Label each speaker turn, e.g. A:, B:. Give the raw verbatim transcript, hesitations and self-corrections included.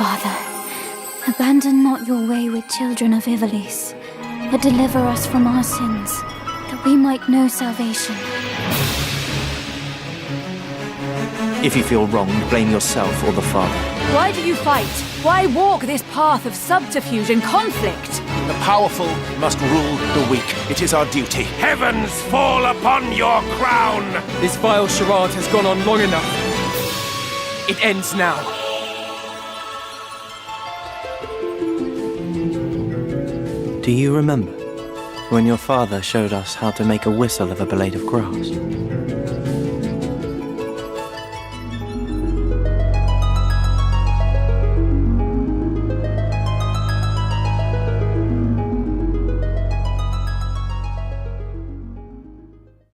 A: Father, abandon not your wayward children of Ivalice, but deliver us from our sins, that we might know salvation.
B: If you feel wronged, blame yourself or the Father.
C: Why do you fight? Why walk this path of subterfuge and conflict?
D: The powerful must rule the weak. It is our duty.
E: Heavens fall upon your crown!
F: This vile charade has gone on long enough. It ends now.
B: Do you remember when your father showed us how to make a whistle of a blade of grass?